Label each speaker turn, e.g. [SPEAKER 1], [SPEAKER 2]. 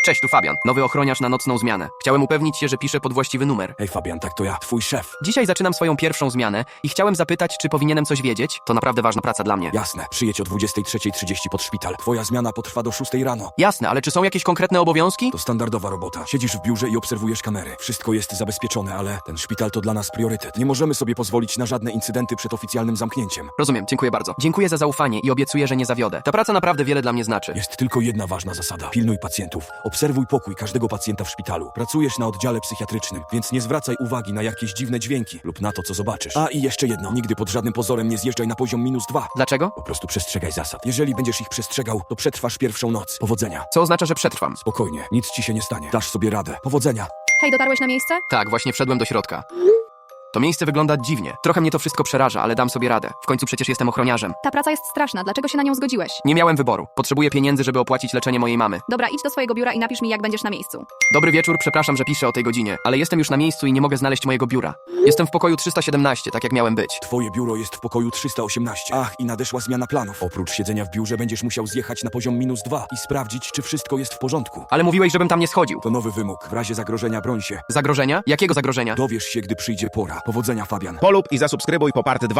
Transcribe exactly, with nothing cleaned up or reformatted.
[SPEAKER 1] Cześć, tu Fabian, nowy ochroniarz na nocną zmianę. Chciałem upewnić się, że piszę pod właściwy numer.
[SPEAKER 2] Hej Fabian, tak to ja, twój szef.
[SPEAKER 1] Dzisiaj zaczynam swoją pierwszą zmianę i chciałem zapytać, czy powinienem coś wiedzieć? To naprawdę ważna praca dla mnie.
[SPEAKER 2] Jasne, przyjedź o dwudziestej trzeciej trzydzieści pod szpital. Twoja zmiana potrwa do szóstej rano.
[SPEAKER 1] Jasne, ale czy są jakieś konkretne obowiązki?
[SPEAKER 2] To standardowa robota. Siedzisz w biurze i obserwujesz kamery. Wszystko jest zabezpieczone, ale ten szpital to dla nas priorytet. Nie możemy sobie pozwolić na żadne incydenty przed oficjalnym zamknięciem.
[SPEAKER 1] Rozumiem, dziękuję bardzo. Dziękuję za zaufanie i obiecuję, że nie zawiodę. Ta praca naprawdę wiele dla mnie znaczy.
[SPEAKER 2] Jest tylko jedna ważna zasada. Pilnuj pacjentów. Obserwuj pokój każdego pacjenta w szpitalu. Pracujesz na oddziale psychiatrycznym, więc nie zwracaj uwagi na jakieś dziwne dźwięki lub na to, co zobaczysz. A i jeszcze jedno. Nigdy pod żadnym pozorem nie zjeżdżaj na poziom minus dwa.
[SPEAKER 1] Dlaczego?
[SPEAKER 2] Po prostu przestrzegaj zasad. Jeżeli będziesz ich przestrzegał, to przetrwasz pierwszą noc. Powodzenia.
[SPEAKER 1] Co oznacza, że przetrwam?
[SPEAKER 2] Spokojnie, nic ci się nie stanie. Dasz sobie radę. Powodzenia.
[SPEAKER 3] Hej, dotarłeś na miejsce?
[SPEAKER 1] Tak, właśnie wszedłem do środka. To miejsce wygląda dziwnie. Trochę mnie to wszystko przeraża, ale dam sobie radę. W końcu przecież jestem ochroniarzem.
[SPEAKER 3] Ta praca jest straszna, dlaczego się na nią zgodziłeś?
[SPEAKER 1] Nie miałem wyboru. Potrzebuję pieniędzy, żeby opłacić leczenie mojej mamy.
[SPEAKER 3] Dobra, idź do swojego biura i napisz mi, jak będziesz na miejscu.
[SPEAKER 1] Dobry wieczór, przepraszam, że piszę o tej godzinie, ale jestem już na miejscu i nie mogę znaleźć mojego biura. Jestem w pokoju trzysta siedemnaście, tak jak miałem być.
[SPEAKER 2] Twoje biuro jest w pokoju trzysta osiemnaście. Ach, i nadeszła zmiana planów. Oprócz siedzenia w biurze będziesz musiał zjechać na poziom minus dwa i sprawdzić, czy wszystko jest w porządku.
[SPEAKER 1] Ale mówiłeś, żebym tam nie schodził.
[SPEAKER 2] To nowy wymóg. W razie zagrożenia broń się.
[SPEAKER 1] Zagrożenia? Jakiego zagrożenia?
[SPEAKER 2] Dowiesz się, gdy przyjdzie pora. Powodzenia, Fabian.
[SPEAKER 4] Polub i zasubskrybuj po part dwa.